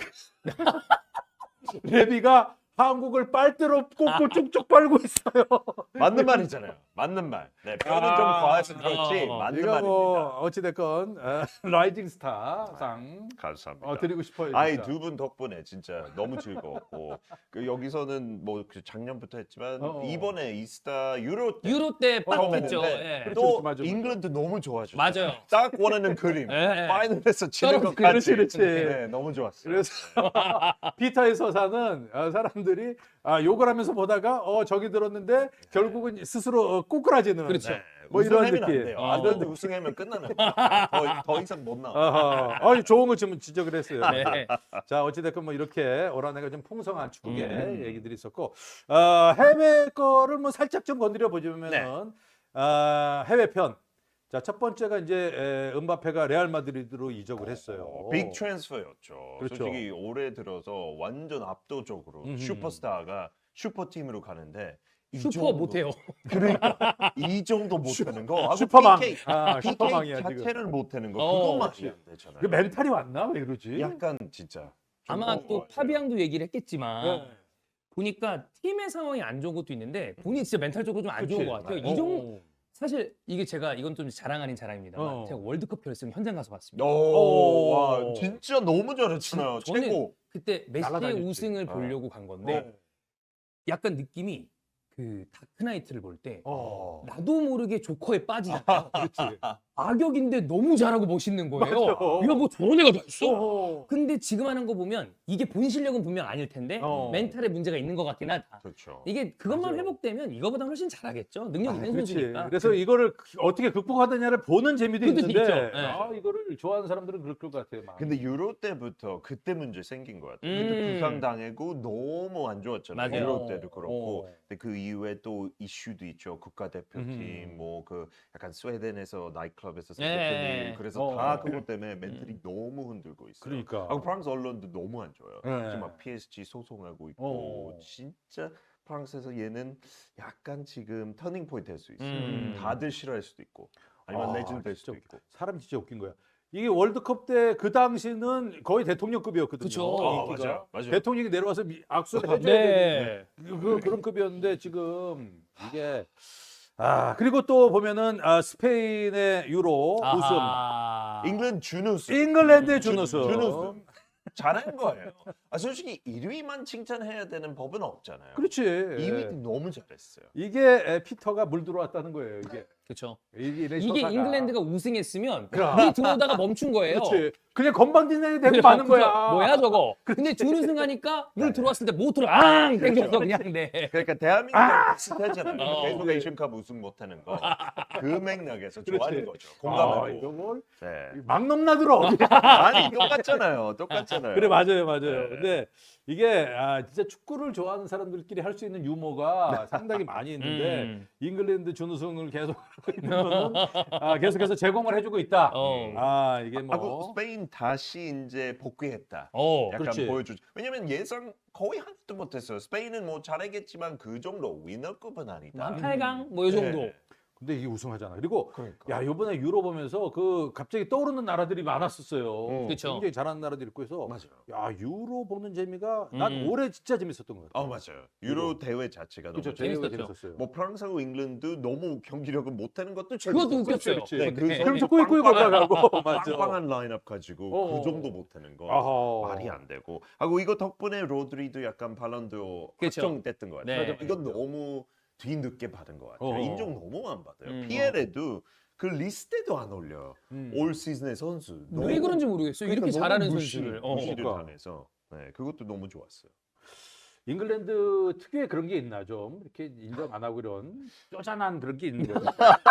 Speaker 2: 레비가 한국을 빨대로 꽂고 쭉쭉 빨고 있어요.
Speaker 3: 맞는 말이잖아요. 맞는 말. 네, 표현은 좀 과해서 그렇지 맞는
Speaker 2: 이거
Speaker 3: 말입니다.
Speaker 2: 뭐 어찌됐건 라이징 스타 상
Speaker 3: 감사합니다.
Speaker 2: 드리고 싶어요.
Speaker 3: 아이
Speaker 2: 진짜.
Speaker 3: 두 분 덕분에 진짜 너무 즐거웠고 그 여기서는 뭐 그 작년부터 했지만 이번에 이스타 유로 때
Speaker 4: 유로 때빡
Speaker 3: 처음
Speaker 4: 했죠.
Speaker 3: 했는데
Speaker 4: 예.
Speaker 2: 그렇죠,
Speaker 3: 또
Speaker 2: 맞아.
Speaker 3: 잉글랜드 너무 좋아졌어요.
Speaker 4: 맞아요.
Speaker 3: 딱 원하는 그림.
Speaker 4: 예.
Speaker 3: 파이널에서 치는 것
Speaker 2: 그렇지,
Speaker 3: 같이.
Speaker 2: 그렇지.
Speaker 3: 네, 너무 좋았어요.
Speaker 2: 그래서 피터의 서사는 사람들이 욕을 하면서 보다가 저기 들었는데 결국은 스스로 꼬꾸라지는
Speaker 4: 그렇죠.
Speaker 2: 뭐 이런
Speaker 3: 우승하면 안
Speaker 2: 느낌.
Speaker 3: 돼요.
Speaker 4: 아.
Speaker 3: 이런 우승하면 끝나는 거예요. 더 이상 못 나와.
Speaker 2: 아니 좋은 거 좀 지적을 했어요.
Speaker 4: 네.
Speaker 2: 자 어찌됐건 뭐 이렇게 올 한해가 좀 풍성한 축구계 얘기들이 있었고 해외 거를 뭐 살짝 좀 건드려 보자면은
Speaker 3: 네.
Speaker 2: 해외 편. 자 첫 번째가 이제 음바페가 레알 마드리드로 이적을 했어요.
Speaker 3: 빅 트랜스퍼였죠.
Speaker 2: 그렇죠.
Speaker 3: 솔직히 올해 들어서 완전 압도적으로 슈퍼스타가 슈퍼팀으로 가는데 이
Speaker 4: 슈퍼
Speaker 3: 정도-
Speaker 4: 못해요.
Speaker 3: 그러니까 이 정도 못하는 거 하고
Speaker 2: 슈퍼망.
Speaker 3: PK,
Speaker 2: 슈퍼망이야
Speaker 3: PK
Speaker 2: 지금.
Speaker 3: 자체를 못하는 거
Speaker 4: 어,
Speaker 3: 그것만이 안 되잖아요.
Speaker 2: 그 멘탈이 왔나 왜 이러지?
Speaker 3: 약간 진짜 좀
Speaker 4: 아마 또 파비앙도 얘기를 했겠지만
Speaker 2: 네.
Speaker 4: 보니까 팀의 상황이 안 좋은 것도 있는데 본인이 진짜 멘탈적으로 좀 안 좋은 것 같아요. 이 정도 사실 이게 이건 좀 자랑 아닌 자랑입니다만 제가 월드컵 결승 현장 가서 봤습니다.
Speaker 3: 오, 와, 진짜 너무 잘했잖아요.
Speaker 4: 저는
Speaker 3: 최고.
Speaker 4: 그때 메시의
Speaker 2: 날아다녔지.
Speaker 4: 우승을 보려고 간 건데 약간 느낌이 그 다크나이트를 볼 때 나도 모르게 조커에 빠지잖아요.
Speaker 2: 그렇지.
Speaker 4: 악역인데 너무 잘하고 멋있는 거예요.
Speaker 2: 맞아.
Speaker 4: 야, 뭐 저런 애가 다 있어? 근데 지금 하는 거 보면 이게 본 실력은 분명 아닐 텐데 멘탈에 문제가 있는 것 같긴 하다.
Speaker 3: 그렇죠.
Speaker 4: 이게 그것만
Speaker 2: 맞아요.
Speaker 4: 회복되면 이거보다 훨씬 잘하겠죠. 능력 있는
Speaker 2: 그렇지.
Speaker 4: 선수니까.
Speaker 2: 그래서 이거를 어떻게 극복하느냐를 보는 재미도
Speaker 4: 그것도
Speaker 2: 있는데
Speaker 4: 있죠. 네.
Speaker 2: 이거를 좋아하는 사람들은 그럴 것 같아요. 마음이.
Speaker 3: 근데 유로 때부터 그때 문제 생긴 것 같아요.
Speaker 4: 음.
Speaker 3: 그때 부상 당하고 너무 안 좋았잖아요.
Speaker 4: 맞아요.
Speaker 3: 유로 때도 그렇고.
Speaker 2: 어.
Speaker 3: 근데 그 이후에 또 이슈도 있죠. 국가대표팀 뭐 그 약간 스웨덴에서 나이트클럽에서 생겼던
Speaker 4: 네.
Speaker 3: 일. 그래서 다 그것 때문에 멘탈이 너무 흔들고 있어요.
Speaker 2: 그러니까.
Speaker 3: 아, 프랑스 언론도 너무 안 좋아요.
Speaker 2: 네.
Speaker 3: 지금 막 PSG 소송하고 있고 진짜 프랑스에서 얘는 약간 지금 터닝 포인트 될 수 있어요. 다들 싫어할 수도 있고 아니면 레전드 될 수도
Speaker 2: 진짜
Speaker 3: 있고.
Speaker 2: 사람 진짜 웃긴 거야. 이게 월드컵 때 그 당시는 거의 대통령급이었거든요.
Speaker 4: 그쵸.
Speaker 2: 인기가.
Speaker 3: 맞아요.
Speaker 2: 대통령이 내려와서 악수를 해줘야
Speaker 4: 네.
Speaker 2: 되는 그런 급이었는데 지금 이게 그리고 또 보면은 스페인의 유로
Speaker 4: 아하.
Speaker 3: 잉글랜드 준우승.
Speaker 2: 잉글랜드의 준우승.
Speaker 3: 준우승. 잘한 거예요. 솔직히 1위만 칭찬해야 되는 법은 없잖아요.
Speaker 2: 그렇지.
Speaker 3: 2위도 너무 잘했어요.
Speaker 2: 이게 피터가 물 들어왔다는 거예요. 이게
Speaker 4: 그렇죠.
Speaker 2: 이게
Speaker 4: 이게 잉글랜드가 우승했으면
Speaker 2: 그럼.
Speaker 4: 물이 들어오다가 멈춘 거예요.
Speaker 2: 그렇지. 그냥 건방진애 되고 마는
Speaker 4: 그죠?
Speaker 2: 거야.
Speaker 4: 뭐야 저거? 근데 준우승하니까 물 들어왔을 때 모터를 앙 땡겨서 그냥 네.
Speaker 3: 그러니까 대한민국 비슷하잖아요. 계속 에이션컵 우승 못하는 거. 그 맥락에서 좋아하는 거죠. 공감하고.
Speaker 2: 이거 뭘
Speaker 3: 네.
Speaker 2: 막 넘나들어.
Speaker 3: 아니 똑같잖아요. 똑같잖아요.
Speaker 2: 그래 맞아요.
Speaker 3: 네.
Speaker 2: 근데 이게 진짜 축구를 좋아하는 사람들끼리 할 수 있는 유머가 상당히 많이 있는데 잉글랜드 준우승을 계속 하고 있는 거는 계속해서 제공을 해주고 있다. 이게 뭐
Speaker 3: 하고 스페인 다시 이제 복귀했다. 약간
Speaker 2: 그렇지.
Speaker 3: 보여주죠. 왜냐면 예상 거의 하나도 못했어요. 스페인은 뭐 잘하겠지만 그 정도 위너급은 아니다.
Speaker 4: 한 8강 뭐 이 정도.
Speaker 3: 네.
Speaker 2: 근데 이게 우승하잖아. 그리고
Speaker 3: 그러니까.
Speaker 2: 야 이번에 유로 보면서 그 갑자기 떠오르는 나라들이 많았었어요.
Speaker 4: 그쵸.
Speaker 2: 굉장히 잘하는 나라들이 있고 해서
Speaker 3: 맞아요.
Speaker 2: 야 유로 보는 재미가 난 올해 진짜 재밌었던 것 같아.
Speaker 3: 맞아요. 유로 대회 자체가 너무
Speaker 2: 그렇죠.
Speaker 3: 재밌어요.
Speaker 2: 재밌었어요.
Speaker 3: 뭐 프랑스하고 잉글랜드 너무 경기력을 못하는 것도
Speaker 4: 그것도
Speaker 3: 재밌었어요.
Speaker 4: 웃겼어요.
Speaker 2: 그렇지.
Speaker 3: 네, 그
Speaker 2: 그럼
Speaker 3: 선수
Speaker 2: 저 꾸이꾸이 골라가고 맞아.
Speaker 3: 빵빵한 라인업 가지고 그 정도 못하는 거
Speaker 2: 어허.
Speaker 3: 말이 안 되고 하고 이거 덕분에 로드리도 약간 발론도
Speaker 4: 그쵸.
Speaker 3: 확정됐던 것 같아요.
Speaker 4: 네.
Speaker 3: 이건 너무 뒤늦게 받은 것 같아요.
Speaker 2: 어허.
Speaker 3: 인정 너무 안 받아요. 피에레도 그 리스트에도 안 올려. 올 시즌의 선수.
Speaker 4: 왜 그런지 모르겠어요. 이렇게 잘하는 선수를.
Speaker 3: 무시를
Speaker 2: 그러니까.
Speaker 3: 당해서 네, 그것도 너무 좋았어요.
Speaker 2: 잉글랜드 특유의 그런 게 있나 좀 이렇게 인정 안 하고 이런 쪼잔한 그런 게 있는 거예요.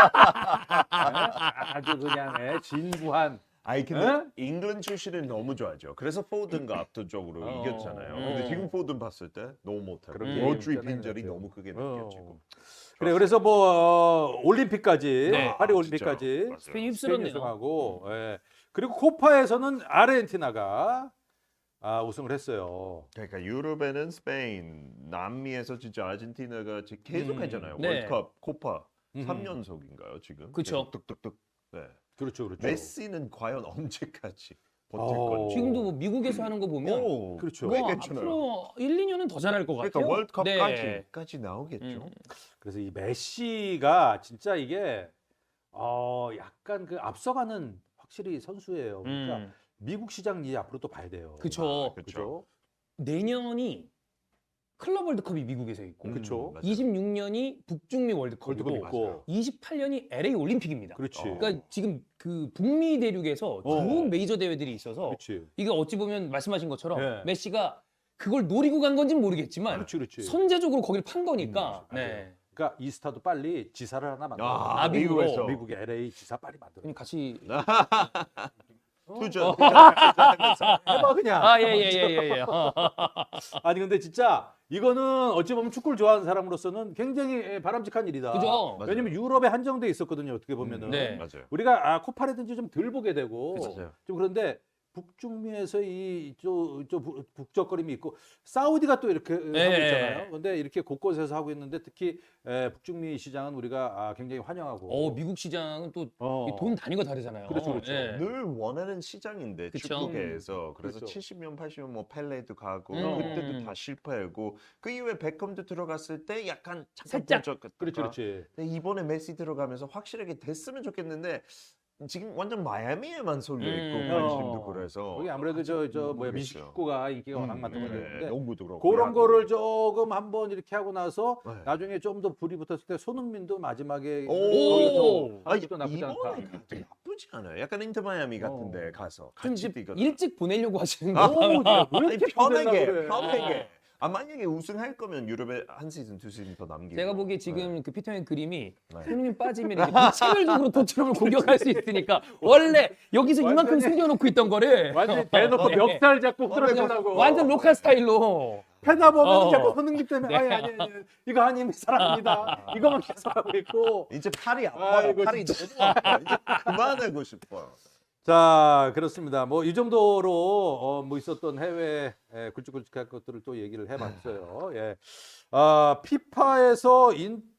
Speaker 2: 아주 그냥 진부한.
Speaker 3: 아니 근데
Speaker 2: 에?
Speaker 3: 잉글랜드 출신은 너무 좋아하죠. 그래서 포든가 압도적으로 이겼잖아요. 근데 지금 포든 봤을 때 너무 못하고
Speaker 2: 그런 게
Speaker 3: 로드리
Speaker 2: 있잖아요.
Speaker 3: 빈절이 너무 크게 느껴지고.
Speaker 2: 그래 그래서 뭐 올림픽까지
Speaker 4: 네.
Speaker 2: 파리
Speaker 3: 아,
Speaker 2: 올림픽까지
Speaker 3: 진짜. 맞아요.
Speaker 4: 스페인
Speaker 2: 스페인
Speaker 4: 휩쓸었네요.
Speaker 2: 우승하고 그리고 코파에서는 아르헨티나가 우승을 했어요.
Speaker 3: 그러니까 유럽에는 스페인, 남미에서 진짜 아르헨티나가 계속 했잖아요.
Speaker 4: 네.
Speaker 3: 월드컵, 코파 3연속인가요 지금?
Speaker 4: 그쵸.
Speaker 3: 계속 뚝뚝뚝. 네.
Speaker 2: 그렇죠.
Speaker 3: 메시는 과연 언제까지 버틸
Speaker 2: 어.
Speaker 3: 건지.
Speaker 4: 지금도 뭐 미국에서 하는 거 보면
Speaker 3: 오,
Speaker 2: 그렇죠.
Speaker 3: 꽤
Speaker 4: 뭐
Speaker 3: 괜찮아요.
Speaker 4: 앞으로 1, 2년은 더 잘할 것
Speaker 3: 그러니까
Speaker 4: 같아요.
Speaker 3: 월드컵까지 나오겠죠.
Speaker 2: 그래서 이 메시가 진짜 이게 약간 그 앞서가는 확실히 선수예요. 그러니까 미국 시장 이제 앞으로 또 봐야 돼요.
Speaker 4: 그쵸.
Speaker 3: 그렇죠.
Speaker 4: 내년이 클럽 월드컵이 미국에서 있고
Speaker 2: 그쵸.
Speaker 3: 맞아요.
Speaker 4: 26년이 북중미 월드컵이고
Speaker 2: 월드컵 있고.
Speaker 4: 28년이 LA 올림픽입니다.
Speaker 2: 그렇지.
Speaker 4: 그러니까 지금 그 북미 대륙에서 좋은 메이저 대회들이 있어서
Speaker 2: 그렇지.
Speaker 4: 이게 어찌 보면 말씀하신 것처럼
Speaker 2: 네.
Speaker 4: 메시가 그걸 노리고 간 건지는 모르겠지만
Speaker 2: 그렇지.
Speaker 4: 선제적으로 거기를 판 거니까. 네.
Speaker 2: 그러니까 이스타도 빨리 지사를 하나 만들어.
Speaker 3: 아,
Speaker 4: 미국으로.
Speaker 3: 미국에서
Speaker 2: 미국의 LA 지사 빨리 만들어.
Speaker 4: 그럼 같이
Speaker 3: 투자.
Speaker 2: 해봐 그냥.
Speaker 4: 예예예예.
Speaker 2: 아니 근데 진짜 이거는 어찌 보면 축구를 좋아하는 사람으로서는 굉장히 바람직한 일이다.
Speaker 4: 그죠?
Speaker 3: 맞아요.
Speaker 2: 왜냐면 유럽에 한정돼 있었거든요. 어떻게 보면은
Speaker 4: 네.
Speaker 3: 맞아요.
Speaker 2: 우리가 코파라든지 좀 덜 보게 되고
Speaker 3: 그쵸.
Speaker 2: 좀 그런데 북중미에서 이저 북적거림이 있고 사우디가 또 이렇게 하고
Speaker 4: 네.
Speaker 2: 있잖아요. 근데 이렇게 곳곳에서 하고 있는데 특히 북중미 시장은 우리가 굉장히 환영하고.
Speaker 4: 미국 시장은 또
Speaker 2: 어.
Speaker 4: 돈 단위가 다르잖아요.
Speaker 2: 그렇죠, 그렇죠.
Speaker 4: 예.
Speaker 3: 늘 원하는 시장인데
Speaker 4: 그쵸.
Speaker 3: 축구계에서 그래서
Speaker 2: 그렇죠.
Speaker 3: 70년 80년 뭐 펠레도 가고
Speaker 4: 음.
Speaker 3: 그때도 다 실패하고 그 이후에 베컴도 들어갔을 때 약간
Speaker 4: 살짝.
Speaker 2: 그렇지, 그렇지.
Speaker 3: 근데 이번에 메시 들어가면서 확실하게 됐으면 좋겠는데 지금 완전 마이애미에만 쏠려 있고 관심도 그래서
Speaker 2: 거기 아무래도 저 뭐야
Speaker 3: 모르겠어요.
Speaker 2: 미식축구가 인기가 워낙 많다고
Speaker 3: 네,
Speaker 2: 그러는데
Speaker 3: 농구도 그렇고
Speaker 2: 그런
Speaker 3: 야구.
Speaker 2: 거를 조금 한번 이렇게 하고 나서
Speaker 3: 네.
Speaker 2: 나중에 좀 더 불이 붙었을 때 손흥민도 마지막에
Speaker 3: 오!
Speaker 2: 거기서
Speaker 3: 아,
Speaker 2: 또 나쁘지 않다.
Speaker 3: 이번에 가도 나쁘지 않아요. 약간 인터 마이애미 같은데 가서
Speaker 4: 좀
Speaker 3: 같이
Speaker 4: 이제
Speaker 3: 뛰거든.
Speaker 4: 일찍 보내려고 하시는 거.
Speaker 3: 아니,
Speaker 2: 이렇게
Speaker 3: 편하게
Speaker 2: 그래?
Speaker 3: 편하게. 만약에 우승할 거면 유럽에 한 시즌 두 시즌 더 남기고.
Speaker 4: 제가 보기에 지금 그 피터의 그림이
Speaker 3: 네.
Speaker 4: 손흥민 빠지면 이제 무차별적으로 토트넘을 공격할 수 있으니까 원래 여기서 이만큼
Speaker 2: 완전히-
Speaker 4: 숨겨놓고 있던 거를
Speaker 2: 완전 대놓고
Speaker 4: 네.
Speaker 2: 멱살 잡고 흐트러지려고.
Speaker 4: 완전 로컬 스타일로.
Speaker 2: 패다 보면
Speaker 4: 어.
Speaker 2: 자꾸 손흥민 때문에 아니 이거 아니면 사랑합니다. 이거만 계속 하고 있고.
Speaker 3: 이제 팔이 아파요.
Speaker 2: 아이고,
Speaker 3: 팔이 너무 아파. 이제 그만하고 싶어요.
Speaker 2: 자, 그렇습니다. 뭐 이 정도로 뭐 있었던 해외 굵직굵직한 것들을 또 얘기를 해봤어요. 예. 피파에서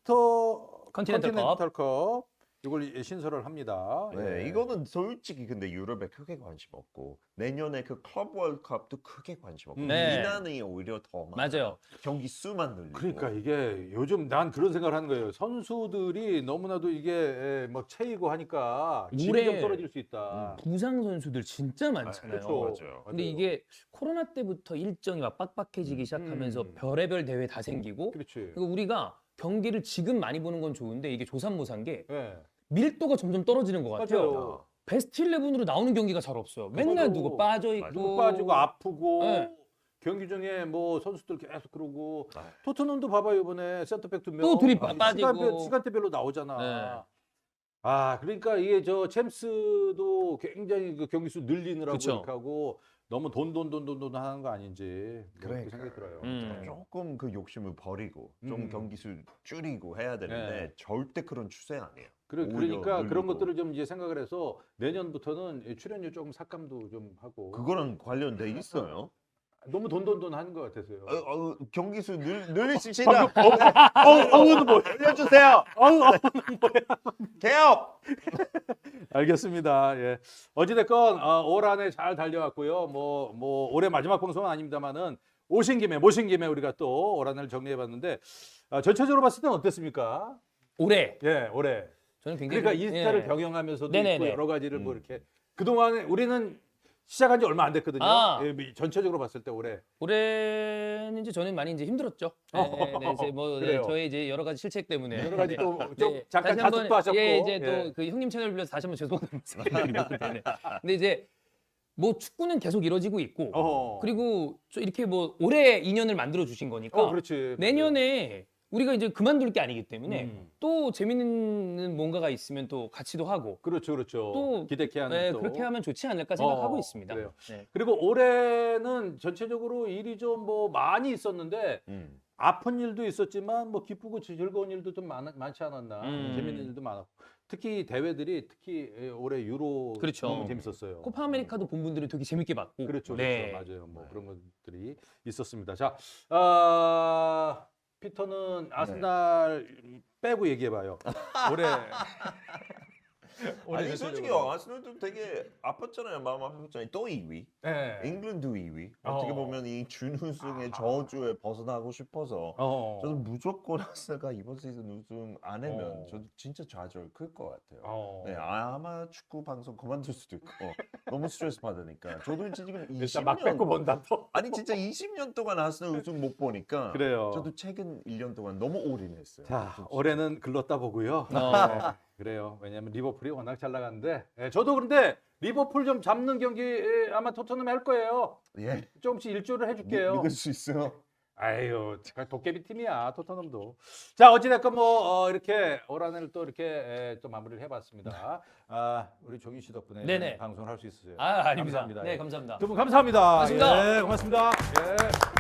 Speaker 4: 컨티넨탈
Speaker 2: 컵 이걸 신설을 합니다.
Speaker 3: 네,
Speaker 2: 예.
Speaker 3: 이거는 솔직히 근데 유럽에 크게 관심 없고 내년에 그 클럽 월드컵도 크게 관심 없고
Speaker 4: 네.
Speaker 3: 미난이 오히려 더 많아요.
Speaker 4: 맞아요.
Speaker 3: 경기 수만 늘리고.
Speaker 2: 그러니까 이게 요즘 난 그런 생각을 하는 거예요. 선수들이 너무나도 이게 뭐 체이고 하니까 질이
Speaker 4: 물에
Speaker 2: 좀 떨어질 수 있다.
Speaker 4: 부상 선수들 진짜 많잖아요.
Speaker 2: 그렇죠.
Speaker 3: 맞아요.
Speaker 4: 근데 이게 코로나 때부터 일정이 막 빡빡해지기 시작하면서 별의별 대회 다 생기고
Speaker 2: 그렇지.
Speaker 4: 그리고 우리가 경기를 지금 많이 보는 건 좋은데 이게 조삼모사인 게
Speaker 2: 예.
Speaker 4: 밀도가 점점 떨어지는 것 같아요.
Speaker 2: 맞아요.
Speaker 4: 베스트 11으로 나오는 경기가 잘 없어요. 맨날
Speaker 2: 맞아요.
Speaker 4: 누구 빠져
Speaker 3: 맞아요.
Speaker 4: 있고
Speaker 2: 누구 빠지고 아프고
Speaker 4: 네.
Speaker 2: 경기 중에 뭐 선수들 계속 그러고
Speaker 3: 아.
Speaker 2: 토트넘도 봐봐요 이번에 센터백 두 명.
Speaker 4: 또 둘이
Speaker 2: 아니,
Speaker 4: 빠지고.
Speaker 2: 시간대별로 나오잖아.
Speaker 4: 네.
Speaker 2: 그러니까 이게 저 챔스도 굉장히 그 경기 수 늘리느라고
Speaker 4: 그쵸.
Speaker 2: 이렇게 하고 너무 돈 하는 거 아닌지 뭐 그렇게
Speaker 3: 그러니까요.
Speaker 2: 생각이 들어요.
Speaker 3: 조금 그 욕심을 버리고 좀
Speaker 2: 음.
Speaker 3: 경기 수 줄이고 해야 되는데
Speaker 2: 네.
Speaker 3: 절대 그런 추세 아니에요.
Speaker 2: 그러니까
Speaker 3: 오히려
Speaker 2: 그런
Speaker 3: 늘리고.
Speaker 2: 것들을 좀 이제 생각을 해서 내년부터는 출연료 조금 삭감도 좀 하고
Speaker 3: 그거랑 관련돼 있어요.
Speaker 2: 너무 돈 하는 것 같아서요.
Speaker 3: 경기 수 늘리십시다. 어우는 뭐 알려주세요. 개업.
Speaker 2: 알겠습니다. 예. 어찌됐건 올 한 해 잘 달려왔고요. 뭐 올해 마지막 방송은 아닙니다만은 모신 김에 우리가 또 올 한 해를 정리해봤는데 전체적으로 봤을 때는 어땠습니까?
Speaker 4: 올해
Speaker 2: 예, 올해.
Speaker 4: 저는 굉장히
Speaker 2: 그러니까 인스타를
Speaker 4: 예.
Speaker 2: 병행하면서도
Speaker 4: 네네네.
Speaker 2: 있고 여러 가지를 뭐 이렇게 그동안에 우리는 시작한 지 얼마 안 됐거든요.
Speaker 4: 아.
Speaker 2: 예, 전체적으로 봤을 때 올해.
Speaker 4: 올해는 이제 저는 많이 이제 힘들었죠. 네, 이제 뭐
Speaker 2: 그래요.
Speaker 4: 저의 이제 여러 가지 실책 때문에
Speaker 2: 여러 가지 또 좀
Speaker 4: 네.
Speaker 2: 잠깐
Speaker 4: 다시 한번,
Speaker 2: 자숙도 하셨고.
Speaker 4: 예, 이제 또 그 형님 채널 빌려서 다시 한번 죄송하다는 말씀드리고 네. 근데 이제 뭐 축구는 계속 이루어지고 있고
Speaker 2: 어허.
Speaker 4: 그리고 저 이렇게 뭐 올해 인연을 만들어 주신 거니까
Speaker 2: 그렇지.
Speaker 4: 내년에 우리가 이제 그만둘 게 아니기 때문에
Speaker 2: 음.
Speaker 4: 또 재밌는 뭔가가 있으면 또 같이도 하고
Speaker 2: 그렇죠.
Speaker 4: 또
Speaker 2: 기대케 하는
Speaker 4: 네,
Speaker 2: 또.
Speaker 4: 그렇게 하면 좋지 않을까 생각하고
Speaker 2: 어,
Speaker 4: 있습니다.
Speaker 2: 그래요.
Speaker 4: 네.
Speaker 2: 그리고 올해는 전체적으로 일이 좀 뭐 많이 있었는데 아픈 일도 있었지만 뭐 기쁘고 즐거운 일도 좀 많지 않았나. 재밌는 일도 많았고. 특히 대회들이 올해 유로
Speaker 4: 그렇죠.
Speaker 2: 너무 재밌었어요.
Speaker 4: 코파 아메리카도 본 분들이 되게 재밌게 봤고
Speaker 2: 그렇죠.
Speaker 4: 네.
Speaker 2: 맞아요. 뭐 그런 것들이 있었습니다. 자, 피터는 아스날 빼고 얘기해봐요. 올해
Speaker 3: 아니 솔직히 아스널도 되게 아팠잖아요. 마음 아팠잖아요. 또 2위.
Speaker 2: 네.
Speaker 3: 잉글랜드 2위. 어떻게 보면 이 준우승의 저주에 벗어나고 싶어서 저는 무조건 아스널가 이번 시즌 우승 안 하면 저도 진짜 좌절 클 것 같아요. 네, 아마 축구 방송 그만둘 수도 있고 너무 스트레스 받으니까. 저도 지금
Speaker 2: 일단 막 뺏고
Speaker 3: 20년
Speaker 2: 본다 또.
Speaker 3: 아니 진짜 20년 동안 아스널 우승 못 보니까
Speaker 2: 그래요.
Speaker 3: 저도 최근 1년 동안 너무 올인했어요.
Speaker 2: 자, 올해는 글렀다 보고요. 네, 그래요. 왜냐하면 리버풀이 워낙 잘 나가는데 저도 그런데 리버풀 좀 잡는 경기 아마 토트넘이 할 거예요.
Speaker 3: 예.
Speaker 2: 조금씩 일조를 해줄게요.
Speaker 3: 믿을 수 있어요.
Speaker 2: 아유, 제가 도깨비 팀이야 토트넘도. 자, 어찌됐건 뭐 이렇게 올 한 해를 또 이렇게 또 마무리를 해봤습니다. 우리 종희 씨 덕분에
Speaker 4: 네네.
Speaker 2: 방송을 할 수 있었어요.
Speaker 4: 아닙니다.
Speaker 2: 감사합니다.
Speaker 4: 네,
Speaker 2: 예.
Speaker 4: 감사합니다.
Speaker 2: 두 분 감사합니다.
Speaker 4: 고맙습니다.
Speaker 2: 예, 고맙습니다. 예.